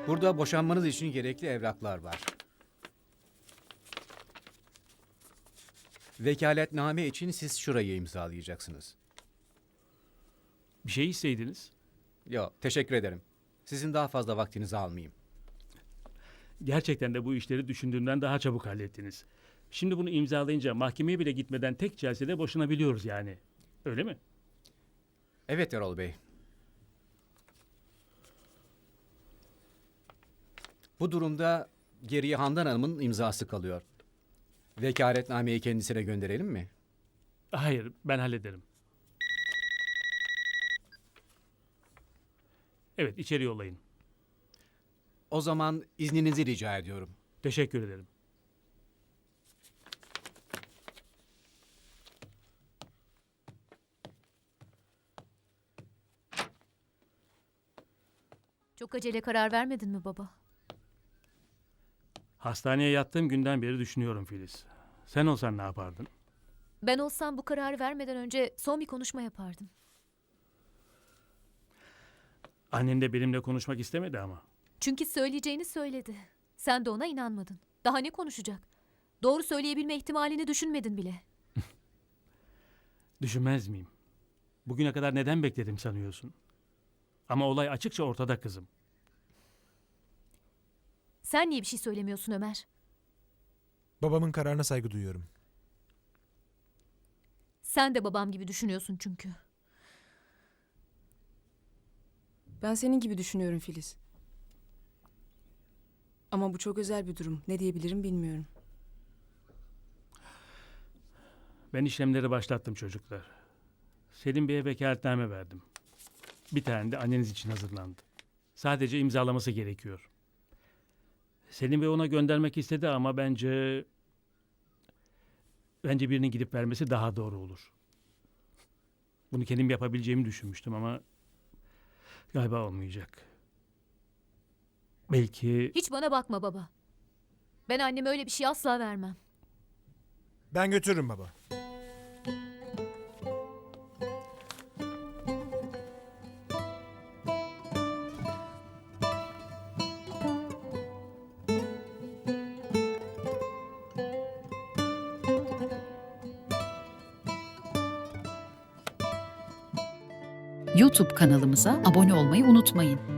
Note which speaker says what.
Speaker 1: Burada boşanmanız için gerekli evraklar var. Vekaletname için siz şurayı imzalayacaksınız.
Speaker 2: Bir şey isteydiniz.
Speaker 1: Yok, teşekkür ederim. Sizin daha fazla vaktinizi almayayım.
Speaker 2: Gerçekten de bu işleri düşündüğümden daha çabuk hallettiniz. Şimdi bunu imzalayınca mahkemeye bile gitmeden tek celsede boşanabiliyoruz yani. Öyle mi?
Speaker 1: Evet Erol Bey. Bu durumda geriye Handan Hanım'ın imzası kalıyor. Vekaletnameyi kendisine gönderelim mi?
Speaker 2: Hayır, ben hallederim. Evet, içeri yollayın.
Speaker 1: O zaman izninizi rica ediyorum.
Speaker 2: Teşekkür ederim.
Speaker 3: Çok acele karar vermedin mi baba?
Speaker 2: Hastaneye yattığım günden beri düşünüyorum Filiz. Sen olsan ne yapardın?
Speaker 3: Ben olsam bu kararı vermeden önce son bir konuşma yapardım.
Speaker 2: Annen de benimle konuşmak istemedi ama.
Speaker 3: Çünkü söyleyeceğini söyledi. Sen de ona inanmadın. Daha ne konuşacak? Doğru söyleyebilme ihtimalini düşünmedin bile.
Speaker 2: Düşünmez miyim? Bugüne kadar neden bekledim sanıyorsun? Ama olay açıkça ortada kızım.
Speaker 3: Sen niye bir şey söylemiyorsun Ömer?
Speaker 4: Babamın kararına saygı duyuyorum.
Speaker 3: Sen de babam gibi düşünüyorsun çünkü.
Speaker 5: Ben senin gibi düşünüyorum Filiz. Ama bu çok özel bir durum. Ne diyebilirim bilmiyorum.
Speaker 2: Ben işlemleri başlattım çocuklar. Selim Bey'e vekaletname verdim. Bir tane de anneniz için hazırlandı. Sadece imzalaması gerekiyor. Selim Bey ona göndermek istedi ama bence birinin gidip vermesi daha doğru olur. Bunu kendim yapabileceğimi düşünmüştüm ama galiba olmayacak. Belki
Speaker 3: Hiç bana bakma baba. Ben anneme öyle bir şey asla vermem.
Speaker 4: Ben götürürüm baba.
Speaker 6: YouTube kanalımıza abone olmayı unutmayın.